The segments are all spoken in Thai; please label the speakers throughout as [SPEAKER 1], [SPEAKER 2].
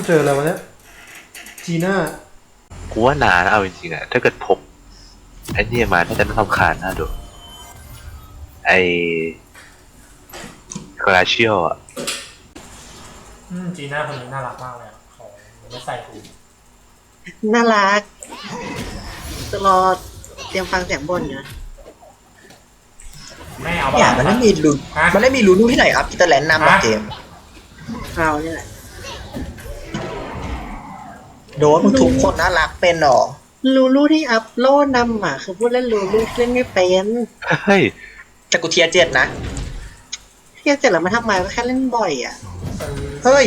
[SPEAKER 1] เจออะไรวะเนี่ยจีน่า
[SPEAKER 2] กูว่านานเอาจริงๆอะถ้าเกิดพบไอ้นี่มาน่าจะไม่ทำคานน่าดูไอ้กราเชียลอะ
[SPEAKER 1] จีน่าคนนี้น่ารักมากเลยของไม่ใส่ถุง
[SPEAKER 3] น่ารักจะรอเตรียมฟังเสียงบนนะ
[SPEAKER 1] ไม่เอา
[SPEAKER 4] เนี่ยมันไม่มีลุ้นมันไม่มีลุ้นที่ไหนครับพีเตอร์แลนด์นำมาเกม
[SPEAKER 3] เราเนี่ยแหละ
[SPEAKER 4] โดนมึงทุกคนน่ารักเป็นหรอ
[SPEAKER 3] ลูลูที่อัพโลดนำอ่ะคือพูดเล่นลูลูเล่นไม่เป็น
[SPEAKER 2] เฮ้ย
[SPEAKER 4] แต่กูเทียร์7นะ
[SPEAKER 3] เที่ยเสร็จแล้วมาทำไมก็แค่เล่นบ่อยอ่ะ
[SPEAKER 4] เฮ้ย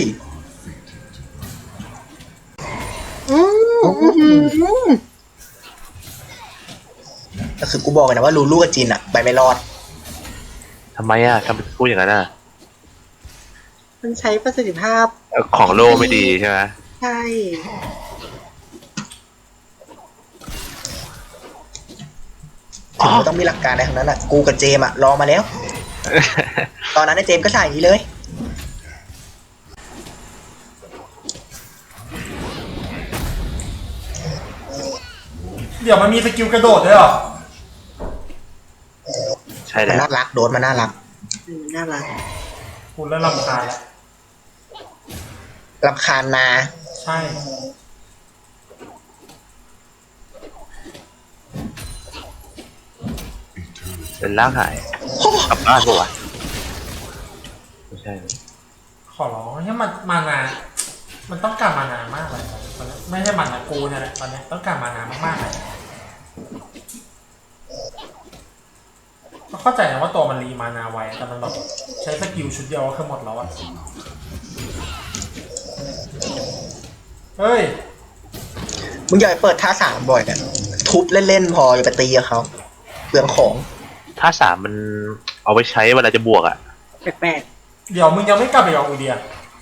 [SPEAKER 4] ก็คือกูบอกเลยนะว่าลูลูกับจินอะไปไม่รอด
[SPEAKER 2] ทำไมอะทำไมพูดอย่างนั้นอะ
[SPEAKER 3] มันใช้ประสิทธิภาพ
[SPEAKER 2] ของโลไม่ดีใช่ไหม
[SPEAKER 3] ใช่
[SPEAKER 4] ถึงมันต้องมีหลักการในทั้งนั้นอะกูกับเจมอะรอมาแล้ว ตอนนั้นไอ้เจมก็ใส่อย่างนี้เลย
[SPEAKER 1] เดี๋ยวมันมีสกิลกระโดดด้วยเหรอ
[SPEAKER 2] ใช่
[SPEAKER 4] มัน
[SPEAKER 2] แล้ว
[SPEAKER 4] น่ารักโดนมันน่ารัก
[SPEAKER 3] น่ารัก
[SPEAKER 1] คุณแล้วรำคาญแล้ว
[SPEAKER 4] รำคาญนา
[SPEAKER 1] ใช่
[SPEAKER 2] เป็นร่างหายกลับบ้านปะวะไม่ใช่
[SPEAKER 1] ขอร้องให้มันมานามันต้องการมานามากเลยตอนนี้ไม่ใช่มันนะกูเนี่ยแหละตอนนี้ต้องการมานามากๆเลยเข้าใจนะว่าตัวมันรีมานาไวแต่มันแบบใช้สกิลชุดเดียวก็คือหมดแล้วอะเฮ้ย
[SPEAKER 4] มึงอย่าไปเปิดท่า3บ่อยเนี่ยทุบเล่นๆพออย่าไปตีกับเขาเปลืองของ
[SPEAKER 2] ท่า3มันเอาไปใช้เวลาจะบวกอะ
[SPEAKER 3] แปลก
[SPEAKER 1] เดี๋ยวมึงยังไม่กลับไปกับอูเดีย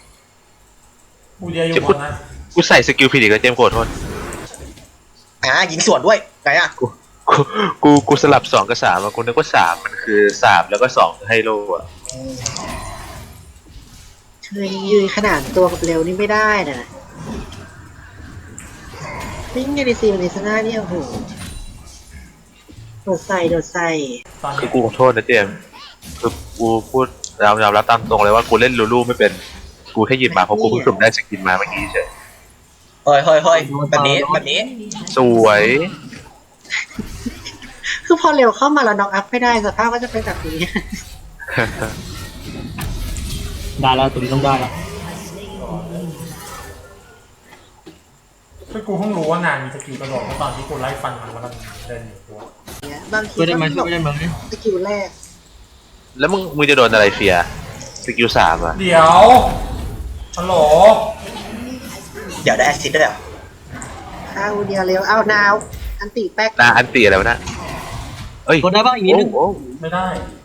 [SPEAKER 1] อยู่บนนะ
[SPEAKER 2] กูใส่สกิลผิดอีกแล้วเจมส์ขอโทษ
[SPEAKER 4] ยิงสวนด้วยไงอะ
[SPEAKER 2] กูสลับ2กับ3อะกูนึกว่า3มันคือ3แล้วก็2คือให้โลอะ
[SPEAKER 3] คือยืนขนาดตัวกับเร็วนี่ไม่ได้นะวิ่งในดีซีในสนาเนี่ยโอ้โหโดดใส่
[SPEAKER 2] คือกูขอโทษนะเจมส์คือกูพูดยอมรับตามตรงเลยว่ากูเล่นลูลูไม่เป็นกูแค่หยิบมาเพราะกูเพิ่งสุ่มได้สกินมาเมื่อกี้เฉย
[SPEAKER 4] เฮ้ยแบบนี้
[SPEAKER 2] สวย
[SPEAKER 3] คือพอเร็วเข้ามาแล้วน็อกอัพไม่ได้สภาพก็จะเป็นแบบนี้
[SPEAKER 5] ได้แล้วตัวนี้ต้องได้แล้ว
[SPEAKER 1] คือกูเพิ่งรู้ว่านานมีสกิลกระโดดเมื่อตอนที่กูไล่ฟันมันแล้วมันเดินอยู่ตัว
[SPEAKER 3] บางที
[SPEAKER 5] ช่วยได้ไหม
[SPEAKER 3] สกิลแรก
[SPEAKER 2] แล้วมึงจะโดนอะไรเฟียสกิล3อะ
[SPEAKER 1] เดี๋ยวฮัลโหล
[SPEAKER 4] เดี๋ยวได้แอสซิสต์ด้วยเหรอ
[SPEAKER 3] ข้าวเดียวเร็วเอานาวอันติแป๊ก
[SPEAKER 2] อันติอะไรวะนะเอ้ย
[SPEAKER 5] กดได้บ้างอีกนิดนึง
[SPEAKER 1] ไม่ได้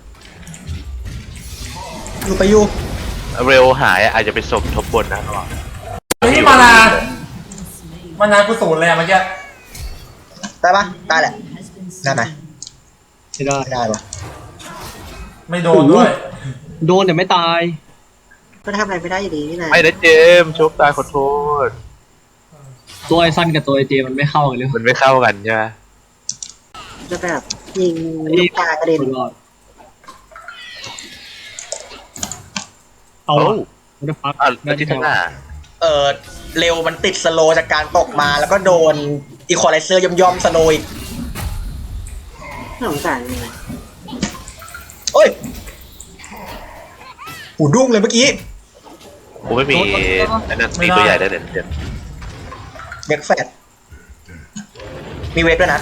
[SPEAKER 4] อยู่ไปอยู่
[SPEAKER 2] เร็วหายอาจจะไปสมทบบนนะระหว่าง
[SPEAKER 1] นี่มานากูศูนย์เลยเมื่อกี้
[SPEAKER 4] ได้ปะได้แหละได้ไหม
[SPEAKER 5] ไม่ได้
[SPEAKER 4] ปะ
[SPEAKER 1] ไม่โดนด้วย
[SPEAKER 5] โดนแต่ไม่ตาย
[SPEAKER 3] ก็ทำอะไรไม่ได้อยู่ดีนี่นะ
[SPEAKER 2] ไม่ได้เจมโชคตายขอโทษ
[SPEAKER 5] ตัวไอซันกับตัวไอเจมันไม่เข้ากันเลย
[SPEAKER 2] มันไม่เข้ากันใช่ไหม
[SPEAKER 3] จะแบบยิงลูกตากระเด็น
[SPEAKER 5] เอาไม่ได้พัก
[SPEAKER 2] แล้วที่ท่าหน้า
[SPEAKER 4] เร็วมันติดสโลจากการตกมาแล้วก็โดนอีควอไลเซอร์ย่อมสโลอีก
[SPEAKER 3] สงสารเลย
[SPEAKER 4] โอ้ยหูดุ้งเลยเมื่อกี้
[SPEAKER 2] กูไม่มีอันนั้นตีตัวใหญ่ได้เด่น
[SPEAKER 4] เด็กแฟดมีเวทด้วยนะ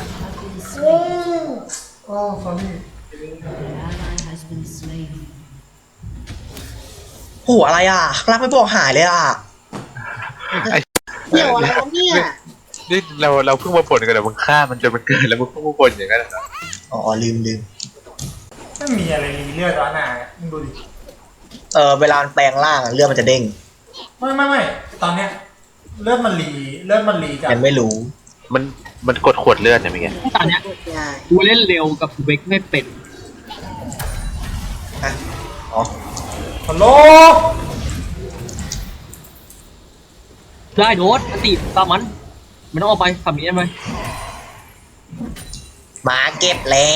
[SPEAKER 1] โอ้ฟอนี่
[SPEAKER 4] โอ้อะไรอ่ะรักไม่บอกหายเลยอ่ะ
[SPEAKER 3] เดี๋ยวอะไรเนี่ย
[SPEAKER 2] นี่เราเพิ่งมาผลกันแต่มึงฆ่ามันจนมันเกินแล้วมึงเพิ่งมาผลอย่างนั้นเหรอ
[SPEAKER 4] อ๋อลืม
[SPEAKER 1] ไม่มีอะไรรีเลือดแล้วนะมึงดูดิ
[SPEAKER 4] เวลาแปลงร่างเลือดมันจะเด้ง
[SPEAKER 1] ไม่ตอนเนี้ยเลือดมันรีกัน
[SPEAKER 4] ยังไม่รู้
[SPEAKER 2] มันกดขวดเลือดเนี่ยมั้ย
[SPEAKER 5] ตอนเนี้ยกูเล่นเร็วกับเวกไม่เป็น
[SPEAKER 1] ฮัลโหล
[SPEAKER 5] ได้โดดอันติตามมันไม่ต้องออกไปทำนี้ได้ไหม
[SPEAKER 4] มาเก็บแล้ว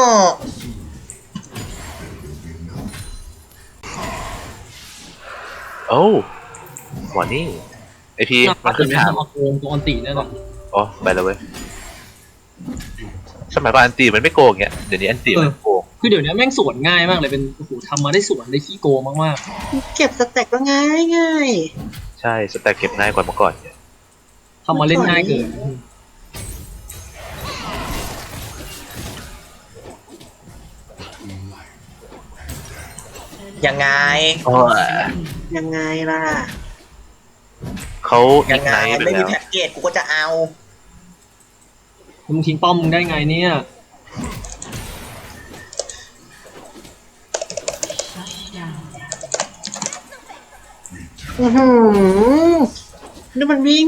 [SPEAKER 2] โอ้หมอนี่ไอพีมันขึ้น
[SPEAKER 5] ไม่
[SPEAKER 2] ถาม
[SPEAKER 5] ทำมาโกงตัวอันติแน่นอน
[SPEAKER 2] อ๋อไปแล้วเว้ยสมัยก่อนอันตีมันไม่โกงเงี้ยเดี๋ยวนี้อันตีมันโกง
[SPEAKER 5] คือเดี๋ยวนี้แม่งสวนง่ายมากเลยเป็นโอ้โหทำมาได้สวนได้ขี้โกงมาก
[SPEAKER 3] เก็บสแต็กก็ง่ายง่าย
[SPEAKER 2] ใช่สแต็กเก็บง่ายกว่าเมื่อก่อนเนี่ย
[SPEAKER 5] ๆทำมาเล่นง่ายเกิน
[SPEAKER 4] ยังไง
[SPEAKER 3] ยังไงล่ะ
[SPEAKER 2] เขา
[SPEAKER 4] ยั
[SPEAKER 2] อี
[SPEAKER 4] ง
[SPEAKER 2] ก
[SPEAKER 4] ไง
[SPEAKER 2] ไนท์ไป
[SPEAKER 4] ไม่มี
[SPEAKER 2] แล้ว
[SPEAKER 4] แพ็กเกจกูก็จะเอา
[SPEAKER 5] มึงทิ้งป้อมมึงได้ไงเนี่ย
[SPEAKER 3] อือหือนี่มันวิ่ง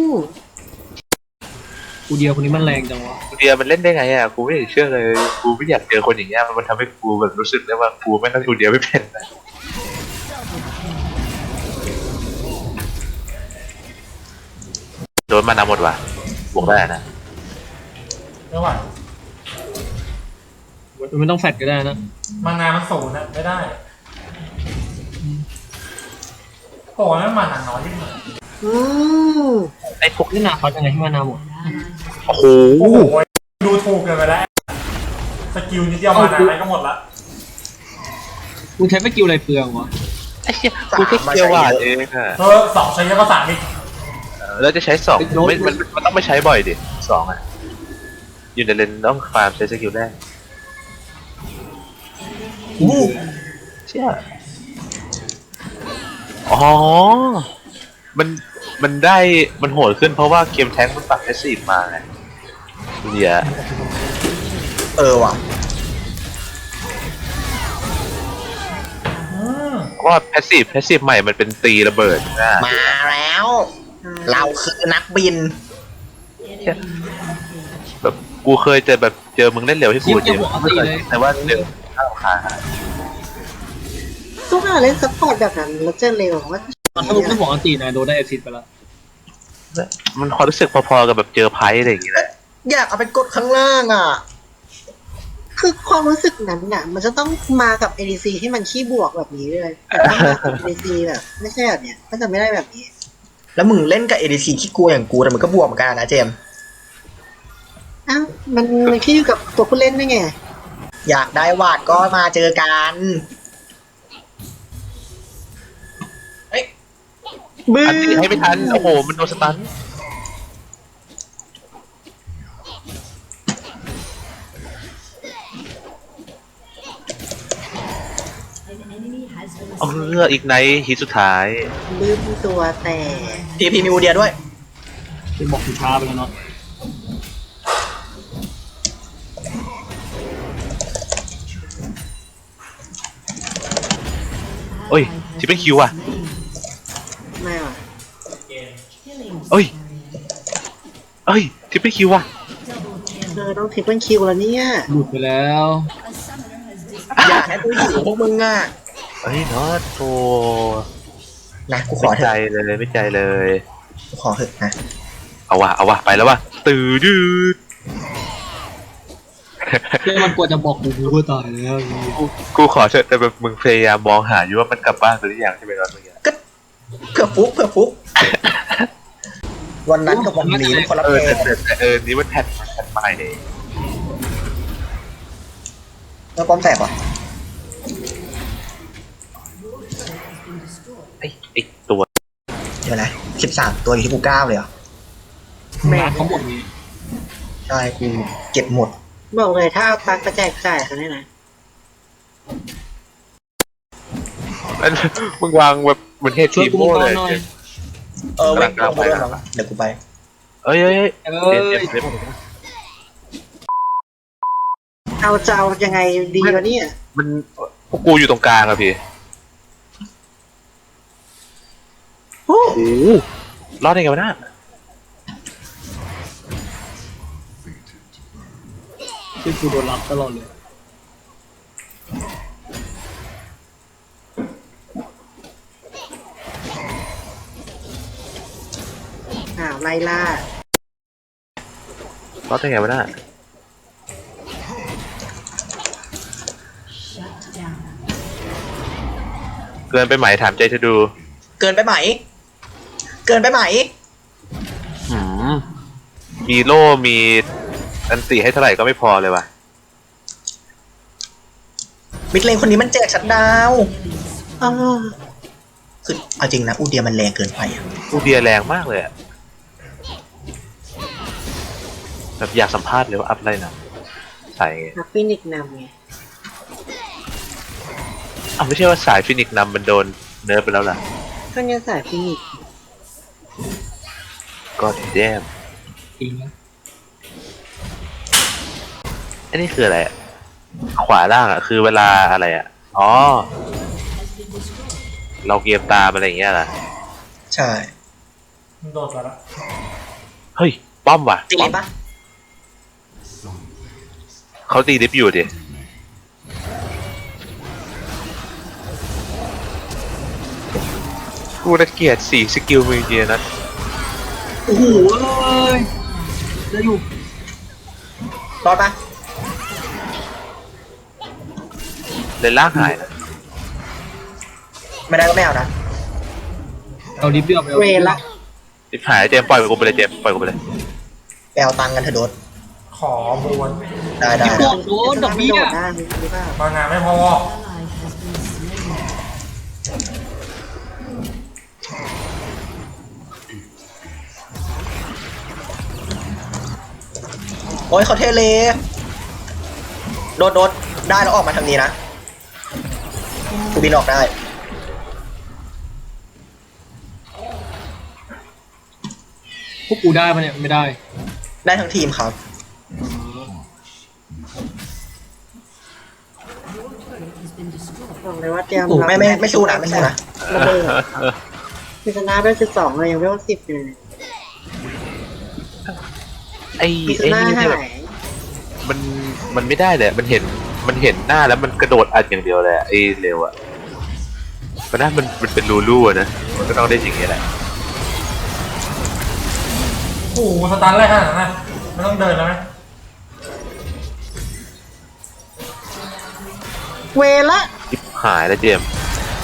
[SPEAKER 5] กูเดียวคนนี้มันแรงจังวะ
[SPEAKER 2] กูเดียมันเล่นได้ไงอ่ะกูไม่อยากเชื่อเลยกูไม่อยากเจอคนอย่างเงี้ยมันทำให้กูแบบรู้สึกได้ว่ากูไม่ต้องกูเดียไม่เป็นนะโดนมานำหมดว่ะบวกได้นะ
[SPEAKER 1] ไม่ไหว
[SPEAKER 5] มันไม่ต้องแฟดก็ได้นะ
[SPEAKER 1] มานานมันสูงนะไม่ได้โอ้ยมันมานาน้อยยิ่งเลย
[SPEAKER 3] อืม
[SPEAKER 2] ไอ้พวก
[SPEAKER 5] นี่นาคอสยังไงให้มานาหมด
[SPEAKER 2] โอ้โห
[SPEAKER 1] โอ้โหดูถูกเกินไปแล้วสกิลนิดเดียวมานาอะไรก็หมดละ
[SPEAKER 5] มึงใช้สกิลอะไรเปลืองวะ
[SPEAKER 2] ไอ้เหี้ยกูแค่เกียวหวานเองอ่ะ
[SPEAKER 1] สองใช้เยอะภาษาอีก
[SPEAKER 2] แล้วจะใช้สองมันต้องไม่ใช้บ่อยดิสองอ่ะอยู่ในเลนต้องฟาร์มใช้สกิลแรกเชี่ยอ๋อมันได้มันโหดขึ้นเพราะว่าเกมแท้งมันปรับแพสซีฟมาไงเนี่ย
[SPEAKER 4] ว่ะ
[SPEAKER 2] เพราะว่าแพสซีฟใหม่มันเป็นตีระเบิดนะ
[SPEAKER 4] มาแล้ว เราคือนักบิน
[SPEAKER 2] แบบกูเคยเจอมึงเล่นเร็วที่กูเจอแต่ว่าเร็วข้าวขา
[SPEAKER 3] ทุกคนเล่นซัพพอร์ตแบบนั้นแล้วจะเร็วว่า
[SPEAKER 5] ตอนถ้ามึงไม่บอกอันตินะโดนได้เอซิดไปแล้ว
[SPEAKER 2] มันความรู้สึกพอๆกับแบบเจอไพ่อะไรอย่างเงี้ยแหละ
[SPEAKER 4] อยากเอาไปกดข้างล่างอ่ะ
[SPEAKER 3] คือความรู้สึกนั้นน่ะ มันจะต้องมากับ ADC ที่มันขี้บวกแบบนี้เลยแต่ถ้ามากับ ADC แบบไม่ใช่แบบเนี้ยก็จะไม่ได้แบบนี้
[SPEAKER 4] แล้วมึงเล่นกับ ADC ขี้กลัวอย่างกูแต่มันก็บวกเหมือนกันนะเจมส์
[SPEAKER 3] อ้าวมันขี้อยู่กับตัวผู้เล่นด้วยไง
[SPEAKER 4] อยากได้วาดก็มาเจอกัน
[SPEAKER 3] บื้อ
[SPEAKER 2] อันตีให้ไม่ทันโอ้โหมันโดนสตันเอาเลือกอีกในฮิตสุดท้าย
[SPEAKER 3] บื้อตัวแต่
[SPEAKER 4] พีมีอูเดียด้วย
[SPEAKER 5] เป็นบอกถึงช้าไปแล้วเนาะ
[SPEAKER 2] เอ้ยที่เป็นคิวอ่ะ
[SPEAKER 3] ไม่ว่ะ
[SPEAKER 2] เอ้ยที่เป็นคิวอ่ะ
[SPEAKER 3] ต้องทริปเปิลคิวแล้วเนี่ย
[SPEAKER 5] หลุดไปแล้ว
[SPEAKER 4] อยากให้กูหิวพวกมึงอ่ะ
[SPEAKER 2] เอ้ยน็อตโธ
[SPEAKER 4] นะกูขอ
[SPEAKER 2] ไม่
[SPEAKER 4] เถ
[SPEAKER 2] ใจ
[SPEAKER 4] อะ
[SPEAKER 2] เลยไม่ใจเลย
[SPEAKER 4] กูขอเถอะนะ
[SPEAKER 2] เอาวะไปแล้ววะตื่นดืด
[SPEAKER 5] เพื่อนมันกลัวจะบอกกูก็ตายแล้ว
[SPEAKER 2] กูขอเถอะแต่แบบมึงพยายามมองหาอยู่ว่ามันกลับบ้านหรือยังใช่ไหมน็อตเมื่อกี้
[SPEAKER 4] ก็เผื่อฟุก วันนั้นกับวันนี้มันคนละเพลง
[SPEAKER 2] แต่นี่มันแพทใหม่เลย
[SPEAKER 4] แล้วป้อมแตกว่ะ
[SPEAKER 2] ไอ้ตัว
[SPEAKER 4] เดี๋ยวนะ13 ตัวอยู่ที่กู9เลยเหรอ
[SPEAKER 5] แม่เขาหมดนี้
[SPEAKER 4] ใช่กูเก็บหมด
[SPEAKER 3] บอกเลยถ้าเอาตังค์กระแจกจ่ายเขาเนี่ยนะ
[SPEAKER 2] มันมึงวางแบบเหมือนเฮ
[SPEAKER 5] ช่ว
[SPEAKER 2] ที
[SPEAKER 5] ยกู
[SPEAKER 2] โม่
[SPEAKER 5] ก่อ
[SPEAKER 2] เล
[SPEAKER 5] น
[SPEAKER 2] ย
[SPEAKER 5] หน่อย
[SPEAKER 4] เว้ยกูไปแล้วเดี๋ยวกูไป
[SPEAKER 2] เอ้ย
[SPEAKER 5] เอ้ย
[SPEAKER 3] เอาจะเอายังไงดีวะเนี่ย
[SPEAKER 2] มันพวกกูอยู่ตรงกลางอะพี่
[SPEAKER 3] โอ้
[SPEAKER 2] โอ้รอดได้ไงวะน่ะ
[SPEAKER 5] ช่วยกูโดนรับตลอดเลย
[SPEAKER 3] ไล่ล่าร
[SPEAKER 2] อดได้ไงวะน่ะเกินไปไหมถามใจเธอดู
[SPEAKER 4] เกินไปไหม เกินไปไหม
[SPEAKER 2] หืมมีโล่มีอันติให้เท่าไหร่ก็ไม่พอเลยว่ะ
[SPEAKER 4] มิดเลนคนนี้มันแจกชัดดาวน์
[SPEAKER 3] อ้าว
[SPEAKER 4] คือเอาจริงนะอูเดียมันแรงเกินไปอะ
[SPEAKER 2] อูเดียแรงมากเลยอะแบบอยากสัมภาษณ์เลยว่าอัพอะไรนะใส่ไง
[SPEAKER 3] นักฟินิกซ์นำไง
[SPEAKER 2] อ้าวไม่ใช่ว่าสายฟินิกซ์นำมันโดนเนิร์ฟไปแล้วล่ะ
[SPEAKER 3] ก็เนี่ยสายฟินิกซ์
[SPEAKER 2] ก็แย่ม
[SPEAKER 5] จริงนะ
[SPEAKER 2] อันนี้คืออะไรอะขวาล่างอะคือเวลาอะไรอะอ๋อ เราเกมตามอะไรอย่างเงี้ยล่ะ
[SPEAKER 4] ใช่
[SPEAKER 1] มันโดดไปแล้ว
[SPEAKER 2] เฮ้ย ป้อมว่ะ
[SPEAKER 4] ตีเลยปะ
[SPEAKER 2] เขาตีดิฟอยู่ดิกูน่าเกลียด4 สกิลมือเดียนะ
[SPEAKER 5] โอ้โหเลยจะอยู่
[SPEAKER 4] รอดปะ
[SPEAKER 2] เลยล่างหายนะ
[SPEAKER 4] ไม่ได้ก็ไม่เอานะ
[SPEAKER 5] เอาดิบเดียวไปเอา
[SPEAKER 3] เวละ
[SPEAKER 2] ดิฟหายเจมส์ปล่อยกูไปเลยเจมส์ปล่อยกูไปเลย
[SPEAKER 4] ไปเอาตังค์กันเถอะโดด
[SPEAKER 1] ขอบวน
[SPEAKER 4] ได้ได้
[SPEAKER 5] โดนโดนดอกเบี้ย
[SPEAKER 3] โดดได้หรือเปล่าม
[SPEAKER 1] างานไม่พอ
[SPEAKER 4] โอ้ยเขาเทเลโดดโดดได้แล้วออกมาทางนี้นะกูบินออกได้
[SPEAKER 5] พวกกูได้ปะเนี่ยไม่ได้
[SPEAKER 4] ได้ทั้งทีมครับ
[SPEAKER 3] บอกเลยว่าเตรียม
[SPEAKER 4] ไม่สู้นะไม่สู้นะ
[SPEAKER 3] ระเบิดพิจารณาได้12เลยยังไม่ต้อง10เลย
[SPEAKER 2] ไอ้
[SPEAKER 3] พิจาร
[SPEAKER 2] ไอ้
[SPEAKER 3] ณา
[SPEAKER 2] นี่
[SPEAKER 3] หา
[SPEAKER 2] เนี่ยแบบ
[SPEAKER 3] ย
[SPEAKER 2] มันไม่ได้เลยมันเห็นหน้าแล้วมันกระโดดอัดอย่างเดียวเลยอะไอ้เร็วอะเพราะนั้นมันเป็นรูลู่อะนะมันก็ต้องได้อย่างเงี้ยแหละ
[SPEAKER 1] โอ้โหสตาร์ทแรกขนาดนั้นนะไม่ต้องเดินแล้วไหม
[SPEAKER 3] เวละ
[SPEAKER 2] ทิปหายแล้วเจมส์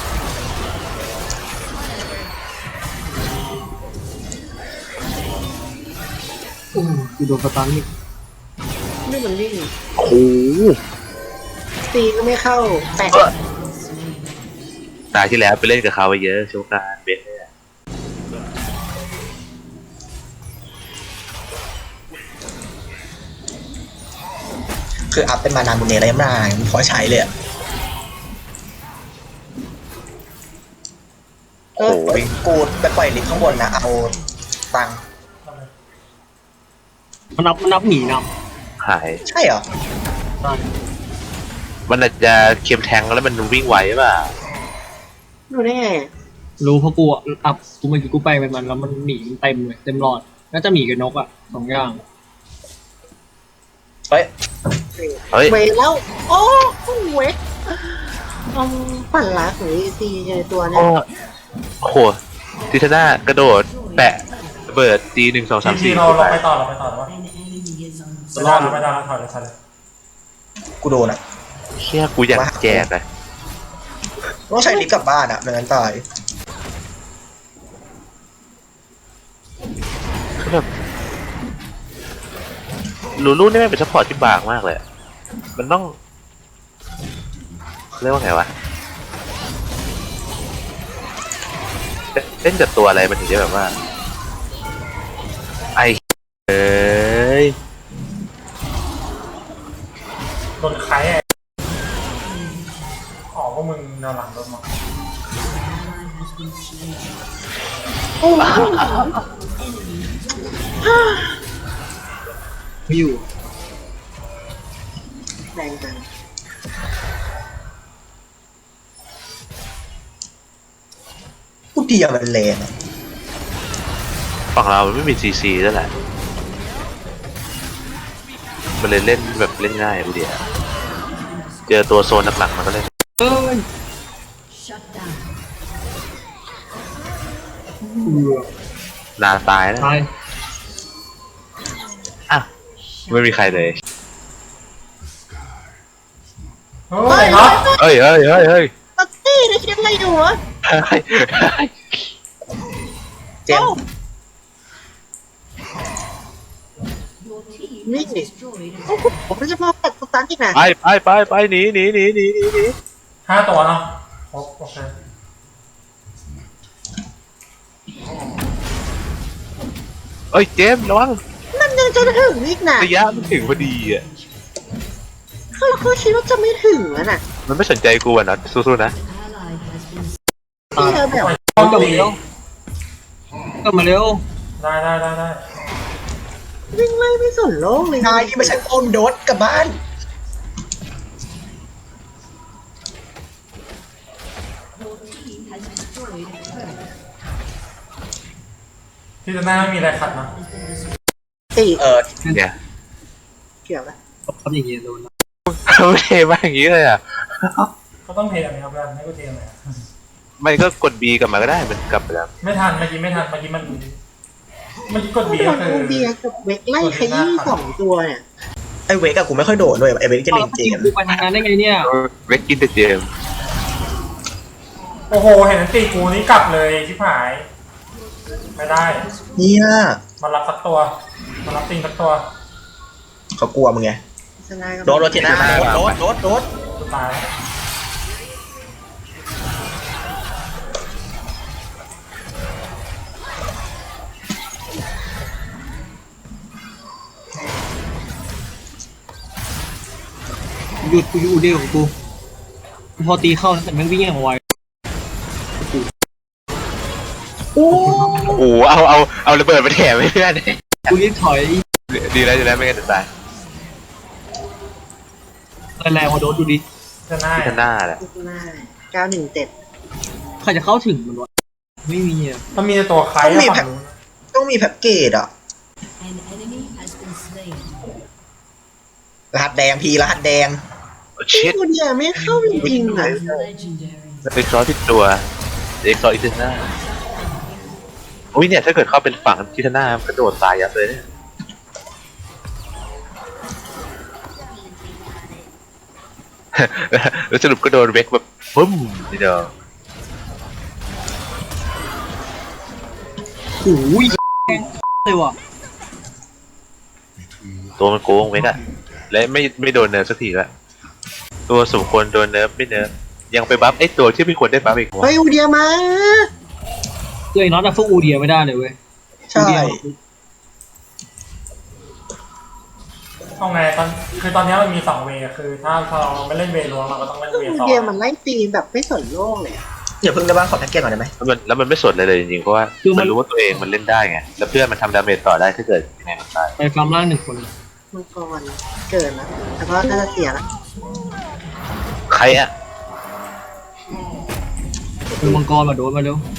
[SPEAKER 5] โอ้โหกูโดนสตันนี่
[SPEAKER 3] นี่มันวิ่ง
[SPEAKER 2] โอ้โห
[SPEAKER 3] ตีก็ไม่เข้าแปะ
[SPEAKER 2] ตาที่แล้วไปเล่นกับเขาไปเยอะโชว์การเบสเนี่ย
[SPEAKER 4] คืออัพเป็นมานานบุญเนรอะไรมาพอใช้เลยอะ
[SPEAKER 2] โอ้โหวิ่ง
[SPEAKER 4] กูไปปล่อยลิฟต์ข้างบนนะเอาตังค์
[SPEAKER 5] มันนับหนีน
[SPEAKER 2] หาย
[SPEAKER 4] ใช่เหรอ
[SPEAKER 5] ำได้
[SPEAKER 2] มันอาจจะเค็มแทงแล้วมันวิ่งไวป่ะ
[SPEAKER 3] ดูได้ไง
[SPEAKER 5] รู้เพราะกูอะอัพกูเมื่อกี้กูไปเป็นมันแล้วมันหนีเต็มเลยเต็มหลอดน่าจะหมีกับนกอ่ะสองอย่าง
[SPEAKER 4] เฮ้ย
[SPEAKER 2] เฮ้ย
[SPEAKER 3] เวแล้วโอ้เวกปั่นรักหรือซีในตัวเนี่
[SPEAKER 2] โอ้
[SPEAKER 3] ย
[SPEAKER 2] โหทิทน่ากระโดดแปะระเบิดตี1 2 3
[SPEAKER 1] ที
[SPEAKER 2] 4
[SPEAKER 1] เรา
[SPEAKER 2] ไป
[SPEAKER 1] ไปต่อเราไปต่อแล้ววะไม่ได้แล้วไม่ได้แล้วถอยเลยถอยเลย
[SPEAKER 4] กูโดนอะ
[SPEAKER 2] เชี่ยกูอยากแจกเลย
[SPEAKER 4] ต้องใช้ลิฟต์กลับบ้านอะไม่งั้นตาย
[SPEAKER 2] คือแบบลูลูนี่ไม่เป็นซัพพอร์ตที่บางมากเลยอะมันต้องเรียกว่าไงวะเล่นกับตัวอะไรมันถึงจะแบบว่าไอเอ้ย
[SPEAKER 1] โดนใครอ่ะอ๋อพวกมึงแนวหลังโดนมา
[SPEAKER 5] ไม่อยู่
[SPEAKER 3] แรงจัง
[SPEAKER 4] กูเดียวมันแรงอะ
[SPEAKER 2] ฝั่งเรามันไม่มีซีซีแล้วแหละมันเลยเล่นแบบเล่นง่ายอูเดียเจอตัวโซนหนักๆมันก็เล่น
[SPEAKER 5] เอ้ยเบื่อ
[SPEAKER 2] นานตายแล้ว
[SPEAKER 5] ตาย
[SPEAKER 2] ไม่มีใครเลย
[SPEAKER 1] เฮ้ยเนาะ
[SPEAKER 2] เฮ้ยเฮ้ยเฮ้ยเฮ้ย
[SPEAKER 3] ปักตี้ได้คิดอะไรอยู่วะ
[SPEAKER 4] เจมส์
[SPEAKER 3] นี่ดิโอ้โหผมไม่จะมาตัดสตาร์ทอีกนะ
[SPEAKER 2] ไปหนีหนี
[SPEAKER 1] 5 ตัวเนาะครบโอเค
[SPEAKER 2] เอ้ยเจมส์ระวัง
[SPEAKER 3] มันยังจะถึงอีกนะ
[SPEAKER 2] ระยะมันถึงพอดีอ่ะ
[SPEAKER 3] เขาคิดว่าจะไม่ถึงแล้วน่ะ
[SPEAKER 2] มันไม่สนใจกูอ่ะนะสู้ๆนะ
[SPEAKER 3] ที่เราแบบ
[SPEAKER 1] ต้อง
[SPEAKER 5] กลับ
[SPEAKER 1] ตี
[SPEAKER 5] มาเร็วกลับมาเร็ว
[SPEAKER 1] ได้
[SPEAKER 3] วิ่งไล่ไม่สนโลกเลย
[SPEAKER 4] นายที่ไม่ใช่โอมโดดกลับบ้าน
[SPEAKER 1] ที่จะหน้าไม่มีอะไรขัดนะ
[SPEAKER 3] ตี
[SPEAKER 2] เนี่ย
[SPEAKER 3] เกี่ยวแล้ว
[SPEAKER 5] ทำอย่างเงี้ยโดนนะ
[SPEAKER 2] ไม่เทมาอย่างนี้เลยอ่ะ
[SPEAKER 1] ก็ต้องเทอันนี้ครับแล้วให้กูเทอะไร
[SPEAKER 2] ไม่ก็กด B กลับมาก็ได้มันกลับไปแล้ว
[SPEAKER 1] ไม่ทันเมื่อกี้มันกด
[SPEAKER 3] โด
[SPEAKER 1] บีก็
[SPEAKER 3] น
[SPEAKER 1] คือ
[SPEAKER 3] โอเบียกับเวกไล่ขยี้2 ตัวเนี่ย
[SPEAKER 4] ไอเวกอะกูไม่ค่อยโดดด้วยไอเวกจะ
[SPEAKER 5] เอา
[SPEAKER 4] เล่
[SPEAKER 5] แล้ว
[SPEAKER 4] น
[SPEAKER 5] ไป
[SPEAKER 4] เจ
[SPEAKER 5] ยิง
[SPEAKER 4] มส์
[SPEAKER 5] กูไปทางนั้นได้ไงเนี่ย
[SPEAKER 2] เวกกินแต่เจมส์
[SPEAKER 1] โอ้โหเห็นอันตีกูนี่กลับเลยชิบหาย ไม่ได้
[SPEAKER 4] เนี่ย
[SPEAKER 1] มันรับสักตัวมันรับติงสักตัว
[SPEAKER 4] เขากลัวมึงไง
[SPEAKER 3] ชนะก็
[SPEAKER 4] โดดโรจิน่าโดด
[SPEAKER 1] กูตายแล้ว
[SPEAKER 5] หยุดกูอยู่เดียวของกูพอตีเข้าแต่แม่งวิ่งอย่างไว
[SPEAKER 3] โอ้
[SPEAKER 2] โอ้โหเอาระเบิดมาแถมให้เพื่อน
[SPEAKER 5] กูรีบถอย
[SPEAKER 2] ดีแล้วไม่งั้นจะตาย
[SPEAKER 5] แรงๆพอโดนดูดิ
[SPEAKER 1] จะหน้า
[SPEAKER 2] ที่หน้าแหละ
[SPEAKER 3] หน้า917
[SPEAKER 5] ใครจะเข้าถึงมันวะไม่มีอ่ะ
[SPEAKER 1] มันมีแต่ตัวใครอะฝั่งนู้น
[SPEAKER 4] ต้องมีแพ็กเกจอะรหัสแดงพีรหัสแดง
[SPEAKER 2] เช็ด
[SPEAKER 3] ตัวเดียวไม่เข้าจริงๆนะ
[SPEAKER 2] เอ็กซ์ซอที่ตัวเอ็กซ์ซออีกหน้าอุ้ยเนี่ยถ้าเกิดเข้าเป็นฝั่งที่หน้ากระโดดตายยับเลยเนี่ยแล้วสรุปก็โดนเวกแบบปึ้มทีเดียว
[SPEAKER 5] โอ้ยเลยว่ะ
[SPEAKER 2] ตัวมันโกงเวกอะและไม่โดนเนิร์ฟสักทีละตัวสมควรโดนเนิร์ฟไม่เนิร์ฟยังไปบัฟไอ้ตัวที่ไม่ควรได้บัฟอีก
[SPEAKER 3] เฮ้ยอูเดียมา
[SPEAKER 5] คือไอ้น็อตอะสู้อูเดียไม่ได้เลยเว้ย
[SPEAKER 4] ใช่
[SPEAKER 5] อูเดีย
[SPEAKER 1] เอาไงคือตอนนี้มันมี2 เวย์คือถ้าเราไม่เล่นเวย์ล้วงเราก็ต้องเล่น
[SPEAKER 3] อู
[SPEAKER 1] เวย์สอง
[SPEAKER 3] เดียมันไล่ตีแบบไม่สนโลกเลย
[SPEAKER 4] อย่าเพิ่งได้บ้างขอแพ็กเกจก่อนได้ไหม
[SPEAKER 2] แล้วมันไม่สนเลยจริงๆเพราะว่ามันรู้ว่าตัวเองมันเล่นได้ไงแล้วเพื่อนมันทำดาเมจต่อได้ถ้าเกิดยังไงมันตาย
[SPEAKER 5] ไปฟาร์มล่าง1 คน
[SPEAKER 3] มังกรเกิดแล้วแต่ก็น่าจะเสียละ
[SPEAKER 2] ใครอะ
[SPEAKER 5] คือมังกรมาโดนมาเร็ว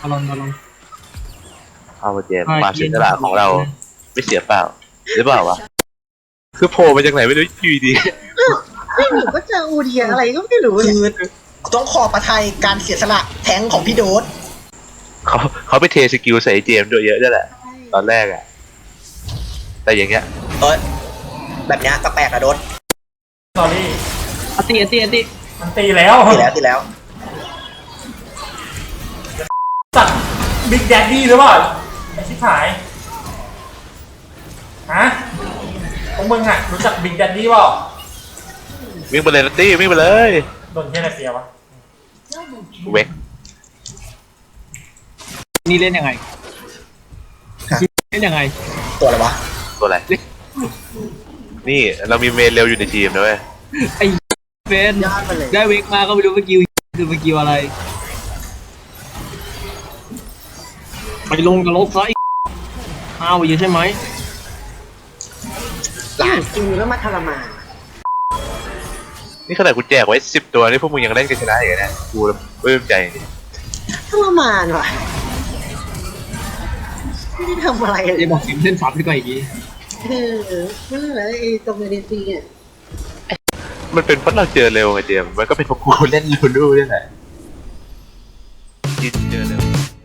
[SPEAKER 5] ลอนบอลอน
[SPEAKER 2] เอาเจมส์ความเสียสละของเราไม่เสียเปล่าหรือเปล่าวะคือโผล่มาจากไหนไม่รู้อยู่ดี
[SPEAKER 3] ไม่หนูก็เจออูเดียอะไรก็ไม่รู้
[SPEAKER 4] คื
[SPEAKER 3] เนี่ย
[SPEAKER 4] อต้องขอประทายการเสียสละแทงของพี่โดส
[SPEAKER 2] เขาไปเทสกิลใส่เจมส์ด้วยเยอะด้วยแหละตอนแรกอะแต่อย่างเงี้ย
[SPEAKER 4] แบบเนี้ยก็แปลกอะโดส
[SPEAKER 1] สอรี่
[SPEAKER 5] อติ
[SPEAKER 1] มันตีแล้ว
[SPEAKER 4] ตีแล้ว
[SPEAKER 1] สัตว์บิ๊กแดดดี้หรือเปล่าไอ้ชิบหายฮะพวกมึงอ่ะรู้จักบิ๊กแดดดี้เปล่า
[SPEAKER 2] วิ่งไปเลยนัตตี้วิ่งไปเลย
[SPEAKER 1] โดนแค่ไหนเสียวะ
[SPEAKER 2] เวก
[SPEAKER 5] นี่เล่นยังไงเล่นยังไง
[SPEAKER 4] ตัวอะไรวะ
[SPEAKER 2] ตัวอะไรนี่เรามีเมนเร็วอยู่ในทีมนะเว้ย
[SPEAKER 5] ไอ้เฟน
[SPEAKER 3] ยอดไปเลย
[SPEAKER 5] ได้เวกมาก็ไม่รู้สกิลคือสกิลอะไรไปลงกับลบซะอ้าวอยู่ใช่ไหม
[SPEAKER 3] จริงแล้วมาทรมาน
[SPEAKER 2] นี่ขนาดกูแจกไว้10 ตัวนี่พวกมึงยังเล่นกันชนะอย่างเงี้ยกูปลื้มใจ
[SPEAKER 3] ทรมานว่ะไม่ได้ทำอะไรเลย
[SPEAKER 5] จะบอกสิมเส้นซับดีกว่าอีกที
[SPEAKER 3] นั่นแหละไอ้ตรงเอดีซีอ่ะ
[SPEAKER 2] มันเป็นเพราะเราเจอเร็วไงเจมส์มันก็เป็นเพราะกูเล่นลูลูนี่แหละเจอเร็ว